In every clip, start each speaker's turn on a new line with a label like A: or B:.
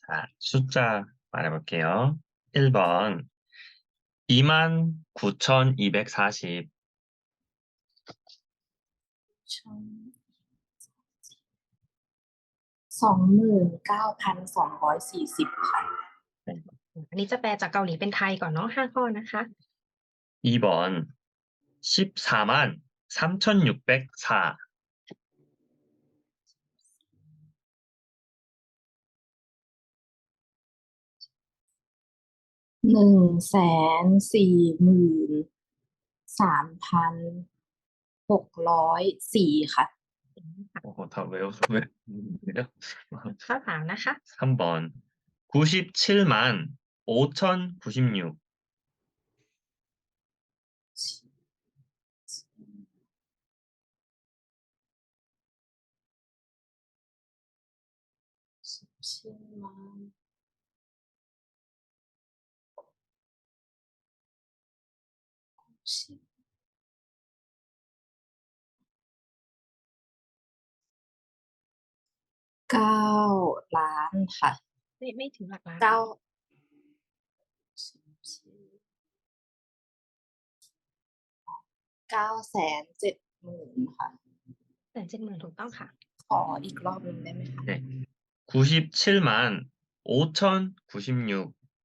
A: 숫자 말해볼게요. 1번 29,240
B: 29,240ค่ะ
C: อันนี้จะแปลจากเกาหลีเป็นไทยก่อนเนาะ5ข้อนะคะ
A: 2번 143,3,604
B: 1,443,604ค่ะ
A: 다 외웠네요.
C: ข้อ3นะคะ
A: 3번 975,5,096
B: 17만 10 9,000,000ค่ะ
C: ไม่ถึงหลักล้าน
B: 970,000ค่ะ
C: 170,000ถูกต้องค่ะ
B: ขออีกรอบหนึ่งได้ไหมคะ
A: 네. 97,5,096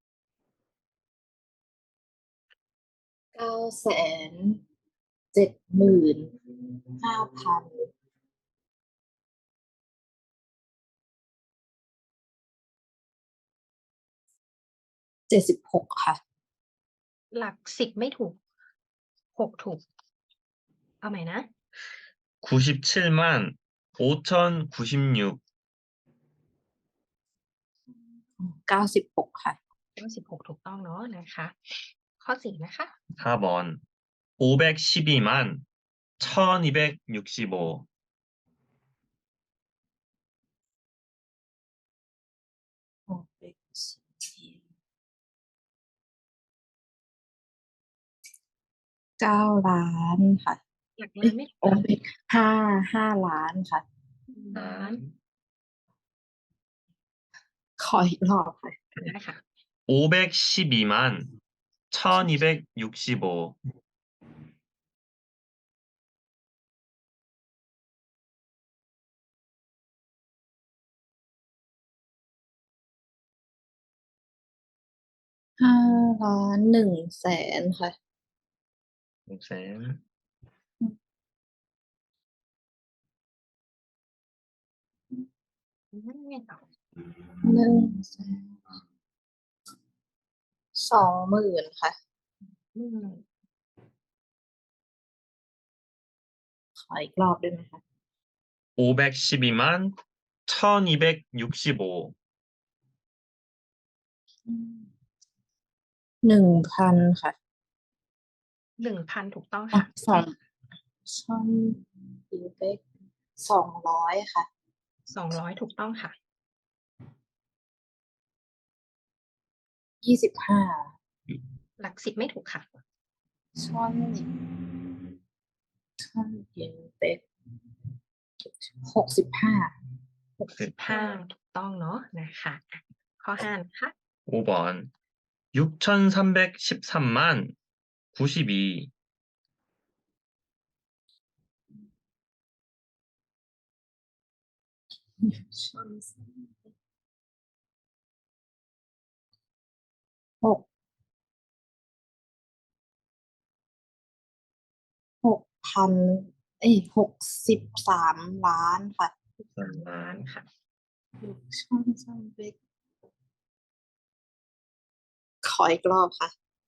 B: 975,000 76ค่ะ
C: หลัก10ไม่ถูก6ถูก เอาใหม่นะ
A: 97,5,096
B: 96ค่ะ
C: 96ถูกต้องเนาะนะคะ ข้อ4นะคะ
A: 4번 512,1,265
B: 9,000,000ค่ะ
C: หลักล้านไม่ถูก
B: 5,000,000ค่ะ
C: ล้าน
B: ขออีกรอบค่ะ
C: ได้ค่ะ
A: 512,1,265
B: 5,100,000ค่ะ
A: 100,000
C: ไงต่อ
B: 120,000ค่ะ ขออีกรอบได้ไหมคะ
A: 512,1,265
B: 1,000ค่ะ
C: 1,000ถูกต้อง
B: อ่ะ
C: ค่ะ
B: 200ค่ะ
C: 200ถูกต้องค่ะ
B: 25
C: หลัก10ไม่ถูกค่ะ
B: 65
C: 65ถูกต้องเนาะนะคะ ข้อ5นะคะ
A: 5번 6,313,092
B: 63 ล้านค่ะ
C: ล้านค่ะ
B: ขออีกรอบค่ะ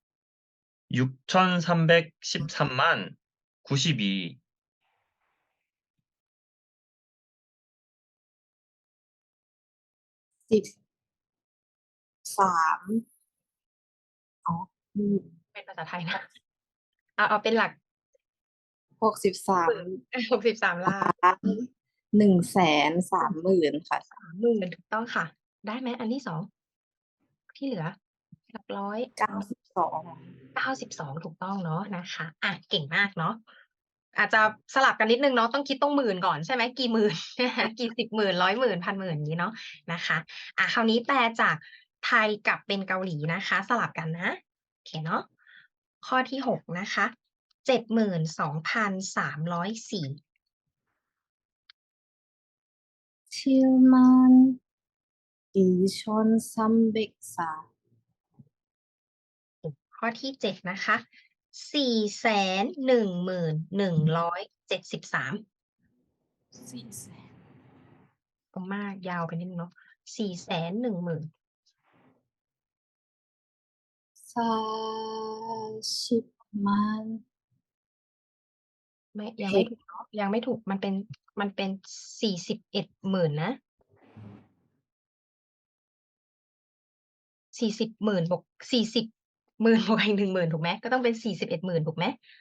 A: 6,313,092
B: 13อ๋อ
C: เป็นภาษาไทยนะ เอาเป็นหลัก
B: 63
C: 63 ล้าน
B: ล้าน 130,000ค่ะ
C: 30,000ถูกต้องค่ะ ได้ไหมอันที่ 2 ที่เหลือ หลักร้อย
B: 92
C: 92ถูกต้องเนาะนะคะ เก่งมากเนาะอาจจะสลับกันนิดนึงเนาะต้องคิดต้องหมื่นก่อนใช่ไหมกี่หมื่น กี่สิบหมื่นร้อยหมื่นพันหมื่นอย่างนี้เนาะนะคะคราวนี้แปลจากไทยกับเป็นเกาหลีนะคะ สลับกันนะโอเคเนาะข้อที่6นะคะ72,304
B: 72,304
C: ข้อที่7นะคะ411,173
B: 400,000
C: ก็มากยาวไปนิดนึงเนาะ410,000
B: 40,000,000
C: ไม่ยังไม่ถูกเนาะยังไม่ถูกมันเป็น41,000,000นะ40,000บวก40,000บวกอีก10,000ถูกไหมก็ต้องเป็น41,000ถูกไหม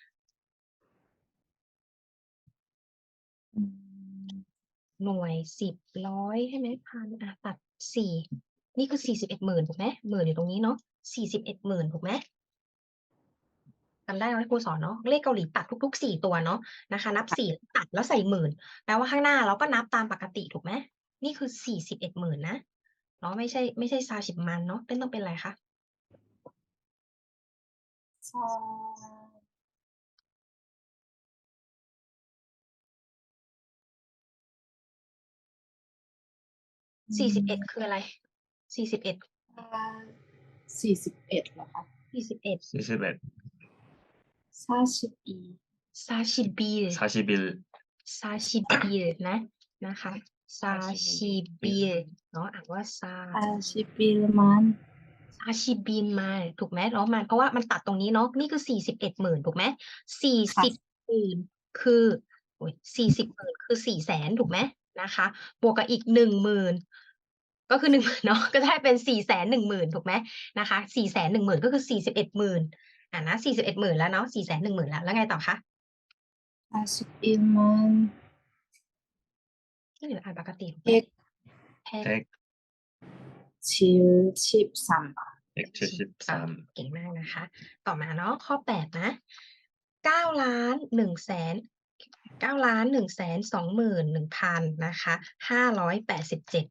C: หน่วย10ร้อยใช่ไหมพันตัด4นี่คือ41,000ถูกไหมหมื่นอยู่ตรงนี้เนาะ41,000ถูกไหมจำได้ไหมครูสอนเนาะเลขเกาหลีตัดทุกๆ4ตัวเนาะนะคะนับ4ตัดแล้วใส่หมื่นแปลว่าข้างหน้าเราก็นับตามปกติถูกไหมนี่คือ41,000นะเนาะไม่ใช่40,000เนาะต้องเป็นอะไรคะ 41คืออะไร41
B: 41เหรอคะ
C: 41
A: 41
C: 41 41นะคะ41เนาะอ่านว่า
B: 41,000,000
C: 41มาถูกไหมเนาะมันเพราะว่ามันตัดตรงนี้เนาะนี่คือ41,000ถูกไหม40,000คือโอ้ย40,000คือ400,000ถูกไหมนะคะบวกกับอีก10,000ก็คือ10,000เนาะก็จะให้เป็น410,000ถูกไหมนะคะ410,000ก็คือ41,000นะ41,000แล้วเนาะ410,000แล้วไงต่อคะ
B: 41,000,000
C: ที่เหลืออ่านปกติถูกไหมแพ็ค
B: 173
A: 173
C: เก่งมากนะคะ ต่อมาเนาะข้อ8นะ9,100,000 9,121,000นะคะ587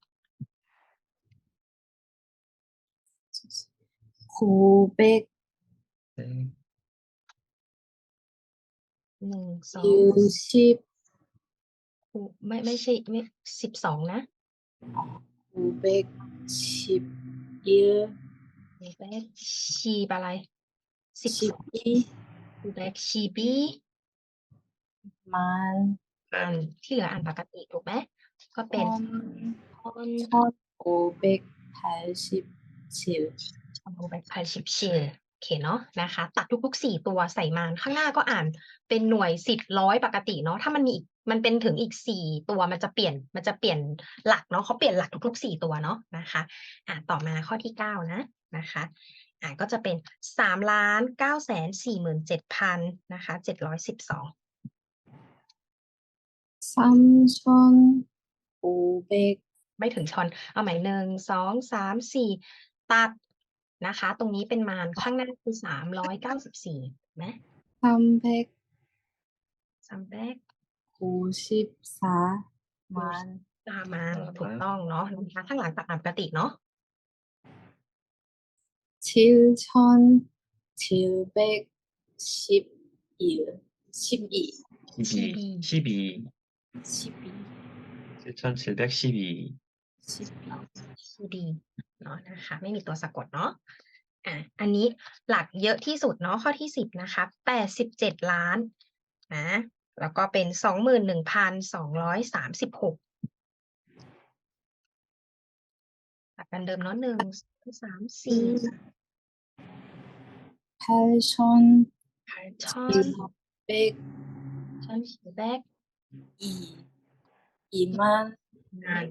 B: 900
C: 1 2
B: 60
C: ไม่ใช่ไม่12นะ
B: 911
C: แบ็คชีบอะไร12
B: 12
C: แบ็คชีบี
B: man
C: ที่เหลืออ่านปกติถูกไหมก็เป็นคอน
B: 1,587
C: 1,587โอเคเนาะนะคะตัดทุกๆ4ตัวใส่มานข้างหน้าก็อ่านเป็นหน่วย10ร้อยปกติเนาะถ้ามันมีอีกมันเป็นถึงอีก4ตัวมันจะเปลี่ยนหลักเนาะเขาเปลี่ยนหลักทุกๆ4ตัวเนาะนะคะต่อมาข้อที่9นะคะก็จะเป็น3,947,000นะคะ712
B: 3,500
C: ไม่ถึงชอนเอาใหม่1 2 3 4ตัดนะคะตรงนี้เป็นมานข้างหน้าคือ394ไหม
B: 394 man
C: ตามมาถูกต้องเนาะนะคะข้างหลังตัดอ่านปกติเนาะ
B: 7,712
A: 7,712
C: ดีเนาะนะคะไม่มีตัวสะกดเนาะอันนี้หลักเยอะที่สุดเนาะข้อที่10นะคะ87ล้านนะแล้วก็เป็น21,236หลักกันเดิมเนาะ1 2 3 4
B: 8,700
C: ช้อนฉีแบก
B: 2만
C: งาน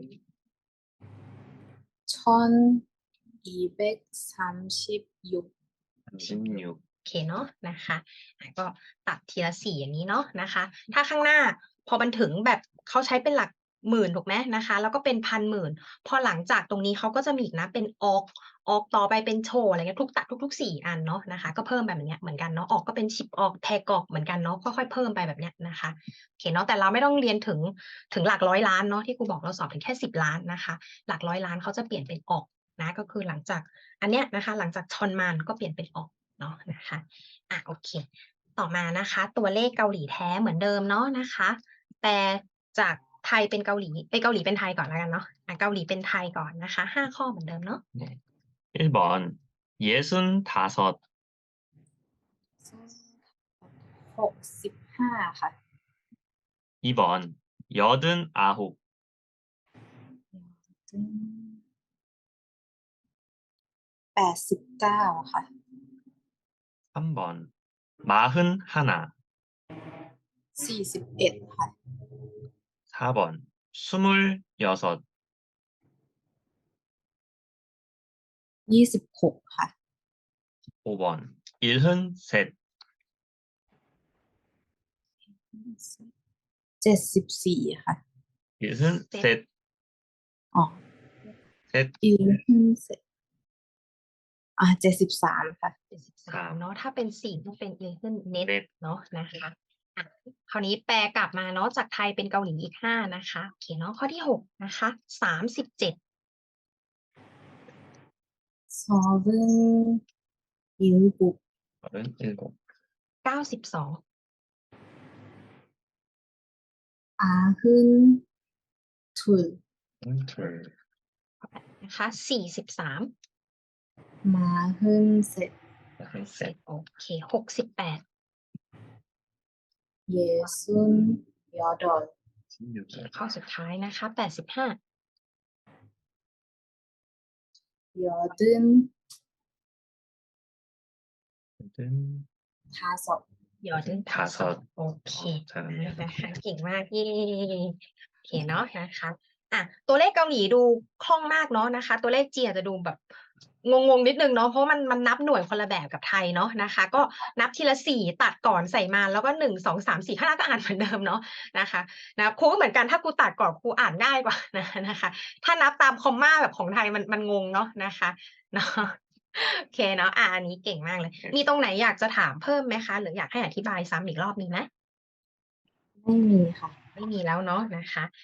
B: 1,236
A: 36
C: โอเคเนาะนะคะก็ตัดทีละ4อย่างนี้เนาะนะคะถ้าข้างหน้าพอมันถึงแบบเขาใช้เป็นหลักหมื่นถูกไหมนะคะ แล้วก็เป็นพันหมื่นพอหลังจากตรงนี้เขาก็จะมีอีกนะเป็นออกต่อไปเป็นโชว์อะไรเงี้ยทุก4อันเนาะนะคะก็เพิ่มไปแบบเนี้ยเหมือนกันเนาะออกก็เป็น10ออกแทกออกเหมือนกันเนาะค่อยๆเพิ่มไปแบบเนี้ยนะคะโอเคเนาะแต่เราไม่ต้องเรียนถึงหลักร้อยล้านเนาะที่ครูบอกเราสอบถึงแค่10 ล้านนะคะหลักร้อยล้านเขาจะเปลี่ยนเป็นออกนะก็คือหลังจากอันเนี้ยนะคะหลังจากชอนมานก็เปลี่ยนเป็นออกเนาะนะคะโอเคต่อมานะคะตัวเลขเกาหลีแท้เหมือนเดิมเนาะนะคะแต่จากไทยเป็นเกาหลีเกาหลีเป็นไทยก่อนแล้วกันเนาะเกาหลีเป็นไทยก่อนนะคะ5ข้อเหมือนเดิมเนาะ
A: 네. 1번 65
B: 65ค่ะ
A: 2번 89
B: 89ค่ะ
A: 3번 41
B: 41ค่ะ
A: 4번 26
B: 26ค่ะ
A: 5번 73
B: 74ค่ะ
A: 73
B: อ๋อ
A: 셋
B: 73ค่ะ
C: 73เนาะถ้าเป็น4ก็เป็น Eleven Net
A: Net
C: เนาะนะคะคราวนี้แปลกลับมาเนาะจากไทยเป็นเกาหลีอีก5นะคะโอเคเนาะข้อที่6นะคะ37
B: 37
A: 37
C: 92
B: 92
A: 둘
C: นะคะ43
B: 43
A: 셋
C: โอเค68
B: 68
C: ข้อสุดท้ายนะคะ85
B: 85
C: ยอดึงทาสอบโอเค
A: 잘하네요.
C: นะคะเก่งมากเย่โอเคเนาะนะคะตัวเลขเกาหลีดูคล่องมากเนาะนะคะ ตัวเลขจีนอาจจะดูแบบงงๆนิดนึงเนาะเพราะมันนับหน่วยคนละแบบกับไทยเนาะนะคะ ก็นับทีละ4ตัดก่อนใส่มาแล้วก็1 2 3 4ข้างหน้าก็อ่านเหมือนเดิมเนาะนะคะครูก็เหมือนกันถ้าครูตัดก่อนครูอ่านง่ายกว่านะคะ ถ้านับตามคอมมาแบบของไทยมันงงเนาะนะคะเนาะโอเคเนาะอันนี้เก่งมากเลย มีตรงไหนอยากจะถามเพิ่มไหมคะ หรืออยากให้อธิบายซ้ำอีกรอบมีไหม
B: ไม่มีค่ะ
C: ไม่มีแล้วเนาะนะคะ